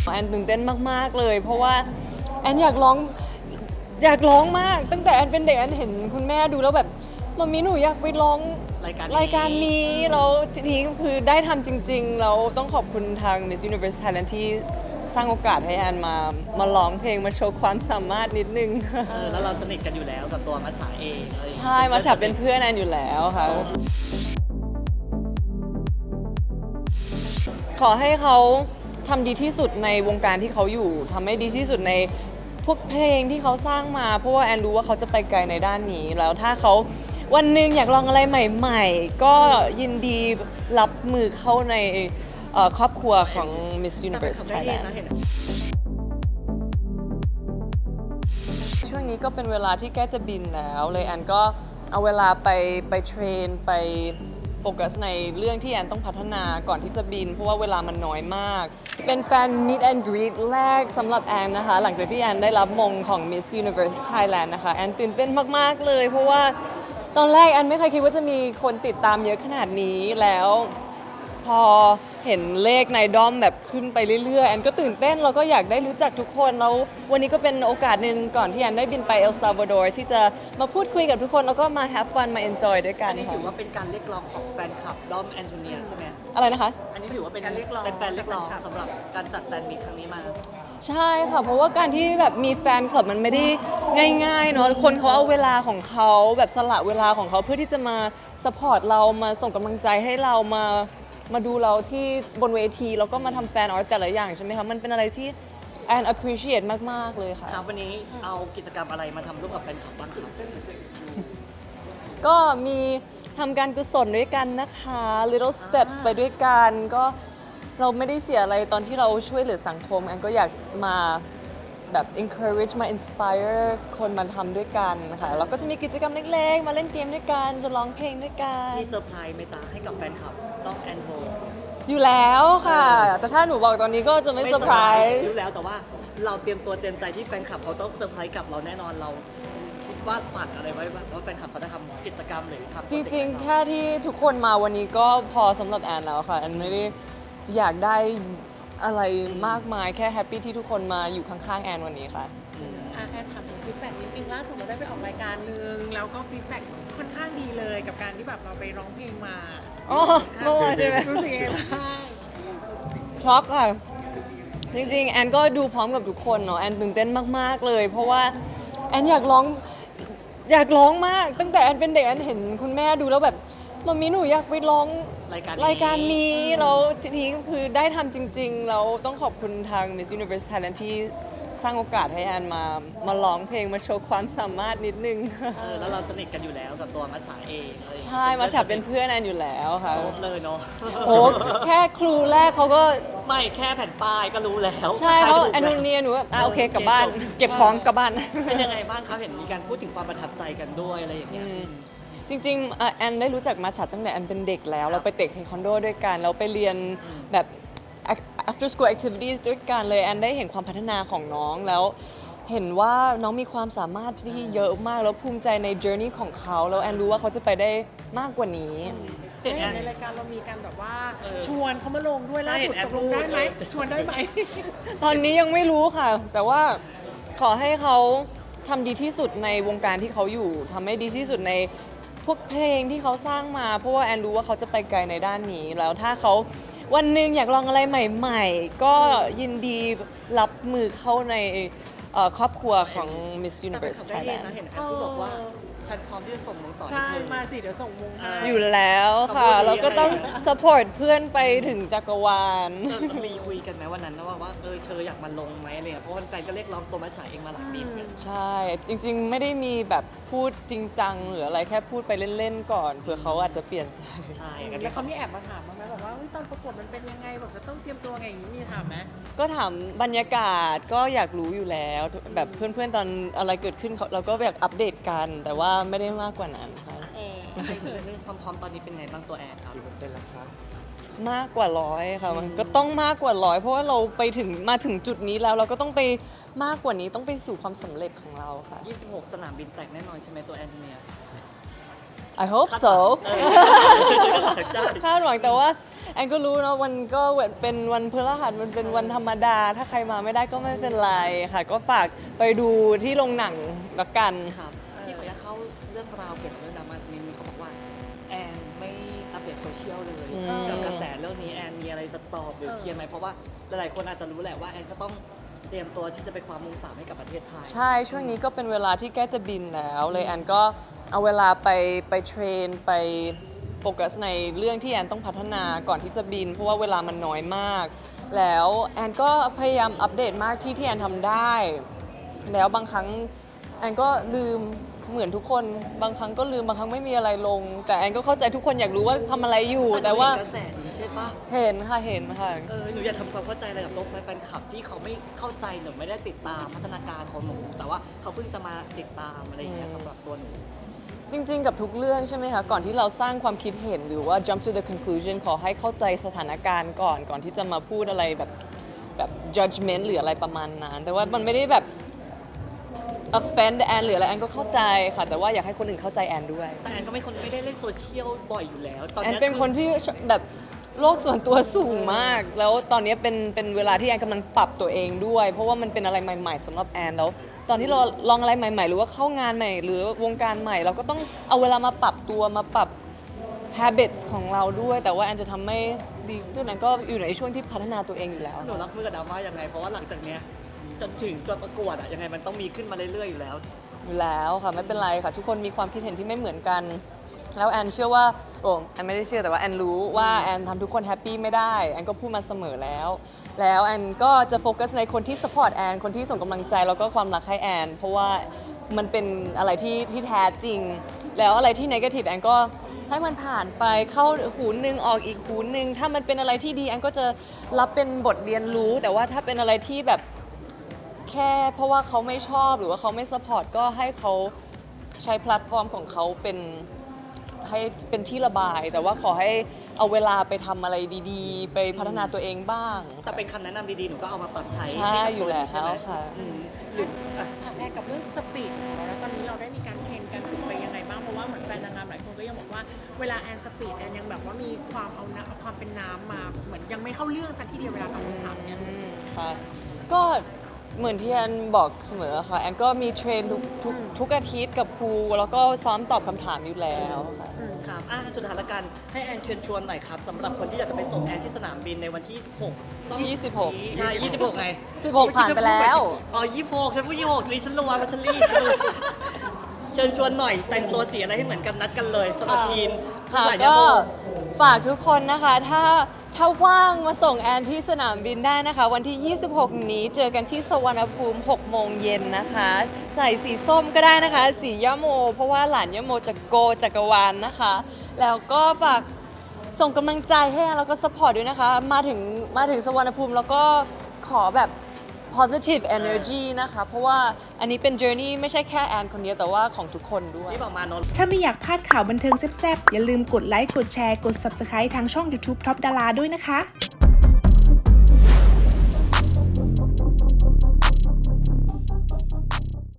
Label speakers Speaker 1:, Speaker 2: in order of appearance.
Speaker 1: แอนตื่นเต้นมากๆเลยเพราะว่าแอนอยากร้องมากตั้งแต่แอนเป็นเด็กแอนเห็นคุณแม่ดูแล้วแบบมัมมี่หนูอยากไปร้องรายการนี้แล้วทีนี้ก็คือได้ทำจริงๆแล้วต้องขอบคุณทาง Miss Universe Thailand ที่สร้างโอกาสให้แอนมาร้องเพลงมาโชว์ความสามารถนิดนึง
Speaker 2: แล้วเราสนิทกันอยู่แล้วกับตัวมัชฉาเอง
Speaker 1: ใช่มัชฉาเป็นเพื่อนแอนอยู่แล้วค่ะขอให้เขาทำดีที่สุดในวงการที่เขาอยู่ทำให้ดีที่สุดในพวกเพลงที่เขาสร้างมาเพราะว่าแอนรู้ว่าเขาจะไปไกลในด้านนี้แล้วถ้าเขาวันหนึ่งอยากลองอะไรใหม่ๆก็ยินดีรับมือเข้าในครอบครัวของ Miss Universe Thailand ช่วงนี้ก็เป็นเวลาที่ใกล้จะบินแล้วเลยแอนก็เอาเวลาไปเทรนไปโฟกัสในเรื่องที่แอนต้องพัฒนาก่อนที่จะบินเพราะว่าเวลามันน้อยมากเป็นแฟน Meet and Greet แรกสำหรับแอนนะคะหลังจากที่แอนได้รับมงของ Miss Universe Thailand นะคะแอนตื่นเต้นมากๆเลยเพราะว่าตอนแรกแอนไม่เคยคิดว่าจะมีคนติดตามเยอะขนาดนี้แล้วพอเห็นเลขในด้อมแบบขึ้นไปเรื่อยๆแอนก็ตื่นเต้นแล้วก็อยากได้รู้จักทุกคนแล้ววันนี้ก็เป็นโอกาสหนึ่งก่อนที่แอนได้บินไปเอลซัลวาดอร์ที่จะมาพูดคุยกับทุกคนแล้วก็มา have fun มา enjoy ด้วยกัน
Speaker 2: อันนี้ถือว่าเป็นการเรียกร้องของแฟนคลับด้อมแอนโทเนียใช่ไหม
Speaker 1: อะไรนะคะ
Speaker 2: อันนี้ถือว่าเป็นการเรียกร้องเป็นแฟนเรียกร้องสำหรับการจัดแฟนมีตครั้งนี้มา
Speaker 1: ใช่ค่ะเพราะว่าการที่แบบมีแฟนคลับมันไม่ได้ง่ายๆเนาะคนเขาเอาเวลาของเขาแบบสละเวลาของเขาเพื่อที่จะมาสปอร์ตเรามาส่งกำลังใจให้เรามาดูเราที่บนเวทีแล้วก็มาทำแฟนอาร์ตแต่ละอย่างใช่ไหมคะมันเป็นอะไรที่แอน appreciate มากๆเลยค่ะ
Speaker 2: ครับวันนี้เอากิจกรรมอะไรมาทำร่วมกับแฟนคลับบ้างครับ
Speaker 1: ก็มีทำการกุศลด้วยกันนะคะ little steps ไปด้วยกันก็เราไม่ได้เสียอะไรตอนที่เราช่วยเหลือสังคมแอนก็อยากมาแบบ encourage มา inspire คนมาทำด้วยกันนะคะแล้วก็จะมีกิจกรรมเล็กๆมาเล่นเกมด้วยกันจะร้องเพลงด้วยกัน
Speaker 2: มีเซอร์ไพรส์ไหมจ๊ะให้กับแฟนคลับด้อมแอนโท
Speaker 1: อยู่แล้วค่ะแต่ถ้าหนูบอกตอนนี้ก็จะไม่เซอร์ไพรส์
Speaker 2: รู้แล้วแต่ว่าเราเตรียมตัวเตรียมใจที่แฟนคลับเขาต้องเซอร์ไพรส์กับเราแน่นอนเราคิดว่าปัดอะไรไว้บ้างว่าแฟนคลับเขาจะทำกิจกรรมหรือทำ
Speaker 1: จริงๆแค่ที่ทุกคนมาวันนี้ก็พอสำหรับแอนแล้วค่ะแอนไม่ได้อยากได้อะไรมากมายแค่แฮปปี้ที่ทุกคนมาอยู่ข้างๆแอนวันนี้ค่ะ
Speaker 3: แค่ถามถึงฟีดแบ็กนิดนึงล่าสุดเราได้ไปออกรายการนึงแล้วก็ฟีดแบ็กค่อนข้างดีเลยกับการที่แบบเราไปร้องเพลงมา
Speaker 1: อ๋อเมื่อวานใช่ไหม
Speaker 3: รู้สึกยังไงบ้าง
Speaker 1: ช็อกค่ะจริงๆแอนก็ดูพร้อมกับทุกคนเนาะแอนตื่นเต้นมากๆเลยเพราะว่าแอนอยากร้องมากตั้งแต่แอนเป็นเด็กแอนเห็นคุณแม่ดูแล้วแบบมัมมี่หนูอยากไปร้องรายการนี้แล้วทีนี้ก็คือได้ทำจริงๆแล้วต้องขอบคุณทาง Miss Universe Thailand ที่สร้างโอกาสให้แอนมาร้องเพลงมาโชว์ความสามารถนิดนึง
Speaker 2: แล้วเราสนิทกันอยู่แล้วกับตัวมัชฉาเอง
Speaker 1: ใช่มัชฉาเป็นเพื่อนแอนอยู่แล้วค่ะ
Speaker 2: เลยเนาะ
Speaker 1: โอ้แค่ครูแรกเขาก็
Speaker 2: ไม่แค่แผ่นป้ายก็รู้แล้ว
Speaker 1: ใช่เขาแอนนูเนียหนูโอเคกลับบ้านเก็บของกลับบ้าน
Speaker 2: เป็นยังไงบ้างครับเห็นมีการพูดถึงความประทับใจกันด้วยอะไรอย่างเงี้ย
Speaker 1: จริงๆแอนได้รู้จักมัชฉาตั้งแต่แอนเป็นเด็กแล้วเราไปเตะเทควันโดด้วยกันเราไปเรียนแบบ after school activities ด้วยกันเลยแอนได้เห็นความพัฒนาของน้องแล้วเห็นว่าน้องมีความสามารถที่เยอะมากแล้วภูมิใจใน journey ของเขาแล้วแอนรู้ว่าเขาจะไปได้มากกว่านี้
Speaker 3: ในรายการเรามีการแบบว่าชวนเขามาลงด้วยล่าสุดตกลงได้ไหมชวนได้ไหม
Speaker 1: ตอนนี้ยังไม่รู้ค่ะแต่ว่าขอให้เขาทำดีที่สุดในวงการที่เขาอยู่ทำให้ดีที่สุดในพวกเพลงที่เขาสร้างมาเพราะว่าแอนรู้ว่าเขาจะไปไกลในด้านนี้แล้วถ้าเขาวันหนึ่งอยากลองอะไรใหม่ๆก็ยินดีรับมือเข้าในครอบครัวของ Miss Universe Thailand
Speaker 2: เห็นแอนพูดบอกว่าฉันพร้อมที่จะส่งมงต่อ
Speaker 3: ใช่มาสิเดี๋ยวส่งมงให้
Speaker 1: อยู่แล้วค่ะเราก็ต้อง support เพื่อนไปถึงจักรวาล
Speaker 2: มีคุยกันไหมวันนั้นนะว่าเธออยากมาลงไหมอะไรเงี้ยเพราะแฟนก็เรียกร้องตัวมัชฉาเองมาหลายปี
Speaker 1: ใช่จริงๆไม่ได้มีแบบพูดจริงจังหรืออะไรแค่พูดไปเล่นๆก่อนเผื่อเขาอาจจะเปลี่ยนใจ
Speaker 2: ใช่
Speaker 3: แล้วเขามีแอบมาถามบ้างไหมบอกว่าตอนประกวดมันเป็นยังไงแบบจะต้องเตรียมตัวไงอย่างนี้มีถามไหม
Speaker 1: ก็ถามบรรยากาศก็อยากรู้อยู่แล้วแบบเพื่อนๆตอนอะไรเกิดขึ้นเราก็อยากอัปเดตกันแต่ว่าไม่ได้มากกว่านั้นค่ะ
Speaker 2: ความพร้อมตอนนี้เป็นไงบ้างตัวแอนครับกี่เปอร์เซ็นต์แล้วครับ
Speaker 1: มากกว่า100ค่ะมันก็ต้องมากกว่า100เพราะว่าเรามาถึงจุดนี้แล้วเราก็ต้องไปมากกว่านี้ต้องไปสู่ความสำเร็จของเราค่ะ
Speaker 2: 26 สนามบินแตกแน่นอนใช่ไหมตัวแอนเนีย
Speaker 1: I hope so
Speaker 2: ใช่
Speaker 1: คาดหวังแต่ว่าแอนก็รู้นะวันก็เป็นวันพฤหัสมันเป็นวันธรรมดา ถ้าใครมาไม่ได้ก็ไม่เป็นไรค่ะ ก็ฝากไปดูที่โรงหนังละกัน
Speaker 2: ครับพี่ขออนุญาตเข้าเรื่องราวเกี่ยวกับเรื่องดราม่าสักนิดนึงเขาบอกว่าแอนไม่อัปเดตโซเชียลเลย
Speaker 1: อืม
Speaker 2: กับกระแสเรื่องนี้แอนมีอะไรจะตอบหรือเคลียร์ไหมเพราะว่าหลายๆคนอาจจะรู้แหละว่าแอนก็ต้องเตรียมตัวที่จะไปคว้ามง3ให้กับประเทศไทย
Speaker 1: ใช่ช่วงนี้ก็เป็นเวลาที่ใกล้จะบินแล้วเลยแอนก็เอาเวลาไปเทรนไปโฟกัสในเรื่องที่แอนต้องพัฒนาก่อนที่จะบิน เพราะว่าเวลามันน้อยมาก แล้วแอนก็พยายามอัปเดตมากที่แอนทำได้ แล้วบางครั้งแอนก็ลืมเหมือนทุกคนบางครั้งก็ลืมบางครั้งไม่มีอะไรลง แต่แอนก็เข้าใจทุกคนอยากรู้ว่าทำอะไรอยู่ แต่ว่า
Speaker 2: กระแสนี้ใช่ปะ
Speaker 1: เห็นค่ะ
Speaker 2: หนูอยากทำความเข้าใจอะไรกับโลกแฟนคลับที่เขาไม่เข้าใจหรือไม่ได้ติดตามพัฒนาการของหนูแต่ว่าเขาเพิ่งจะมาติดตามอะไรอย่างเงี้ยสำหรับตัวหนู
Speaker 1: จริงๆ กับทุกเรื่องใช่ไหมคะ ก่อนที่เราสร้างความคิดเห็นหรือว่า jump to the conclusion ขอให้เข้าใจสถานการณ์ก่อนที่จะมาพูดอะไรแบบ judgment หรืออะไรประมาณนั้น แต่ว่ามันไม่ได้แบบ offend แอนหรืออะไรแอนก็เข้าใจค่ะ แต่ว่าอยากให้คนอื่นเข้าใจแอนด้วย
Speaker 2: แต่แอนก็ไม่ได้เล่นโซเชียลบ่อยอยู่แล้ว ตอน
Speaker 1: แอน
Speaker 2: นี้ย
Speaker 1: เป็นคนที่แบบโลกส่วนตัวสูงมาก แล้วตอนนี้เป็นเวลาที่แอนกำลังปรับตัวเองด้วย เพราะว่ามันเป็นอะไรใหม่ๆสำหรับแอนแล้ว ตอนที่เราลองอะไรใหม่ๆ หรือว่าเข้างานใหม่ หรือวงการใหม่ เราก็ต้องเอาเวลามาปรับตัวมาปรับ habits ของเราด้วย แต่ว่าแอนจะทำให้ดีขึ้นแอนก็อยู่ในช่วงที่พัฒนาตัวเองอยู่แล้ว
Speaker 2: หนูรับมือกับดราม่ายังไง เพราะว่าหลังจากเนี้ยจนถึงตัวประกวดอะยังไงมันต้องมีขึ้นมาเรื่อยๆอยู่แล้ว
Speaker 1: อยู่แล้วค่ะไม่เป็นไรค่ะ ทุกคนมีความคิดเห็นที่ไม่เหมือนกัน แล้วแอนเชื่อว่าแอนไม่ได้เชื่อแต่ว่าแอนรู้ว่าแอนทำทุกคนแฮปปี้ไม่ได้แอนก็พูดมาเสมอแล้วแอนก็จะโฟกัสในคนที่สปอร์ตแอนคนที่ส่งกำลังใจแล้วก็ความรักให้แอนเพราะว่ามันเป็นอะไรที่แท้จริง แล้วอะไรที่นกาทีฟแอนก็ให้มันผ่านไปเข้าหูหนึ่งออกอีกหูหนึ่งถ้ามันเป็นอะไรที่ดีแอนก็จะรับเป็นบทเรียนรู้ แต่ว่าถ้าเป็นอะไรที่แบบ แค่เพราะว่าเขาไม่ชอบหรือว่าเขาไม่สปอร์ตก็ให้เขาใช้แพลตฟอร์มของเขาให้เป็นที่ระบาย แต่ว่าขอให้เอาเวลาไปทำอะไรดีๆ ไปพัฒนาตัวเองบ้าง
Speaker 2: แต่เป็นคำแนะนำดีๆ หนูก็เอามาปรับใช้
Speaker 1: ใช่
Speaker 2: ห้กับ
Speaker 1: อยู่แล้ว
Speaker 2: ใช่ไหม
Speaker 1: ค่ะ
Speaker 2: หรืออ่ะ
Speaker 3: ถามแอนกับเรื่องสปีดของเราแล้วตอนนี้เราได้มีการเทรนกันฝึกไปยังไงบ้างเพราะว่าเหมือนแฟนนางงามหลายคนก็ยังบอกว่าเวลาแอนสปีดแอนยังแบบว่ามีความเอาความเป็นน้ำมาเหมือนยังไม่เข้าเรื่องสักทีเดียวเวลาตอบคำถามเนี่ย
Speaker 1: ค่ะก็เหมือนที่แอนบอกเสมอค่ะแอนก็มีเทรนทุกอาทิตย์กับครูแล้วก็ซ้อมตอบคำถามอยู่แล้วค่ะ
Speaker 2: ครับสุดท้ายละกันให้แอนเชิญชวนหน่อยครับสำหรับคนที่อยากจะไปส่งแอนที่สนามบินในวันที่ 26ต้อง
Speaker 1: 26
Speaker 2: ใช่26ไง
Speaker 1: 16ผ่านไปแล้ว
Speaker 2: อ๋อ26ฉันพูด26นี่ฉันระวังว่าฉันรีบเชิญชวนหน่อยแต่งตัวสีอะไรให้เหมือนกันนัดกันเลยสำหรับทีม
Speaker 1: ค่ะ
Speaker 2: หลาย
Speaker 1: ก็
Speaker 2: โม
Speaker 1: ฝากทุกคนนะคะ ถ้าว่างมาส่งแอนที่สนามบินได้นะคะ วันที่ 26 นี้เจอกันที่สวรรณภูมิ 6 โมงเย็นนะคะ ใส่สีส้มก็ได้นะคะ สียะโม เพราะว่าหลานยะโมจะโกจักรวาลนะคะ แล้วก็ฝากส่งกำลังใจให้แอนแล้วก็สปอร์ตด้วยนะคะ มาถึงสวรรณภูมิแล้วก็ขอแบบ positive energy นะคะ เพราะว่าอันนี้เป็น journey ไม่ใช่แค่แอนคนเดียวแต่ว่าของทุกคนด้วย
Speaker 2: นี่บอกมาโน
Speaker 4: ถ้าไม่อยากพลาดข่าวบันเทิงแซ่บๆ อย่าลืมกดไลค์ กดแชร์ กด Subscribe ทางช่อง YouTube Top Dara ด้วยนะคะ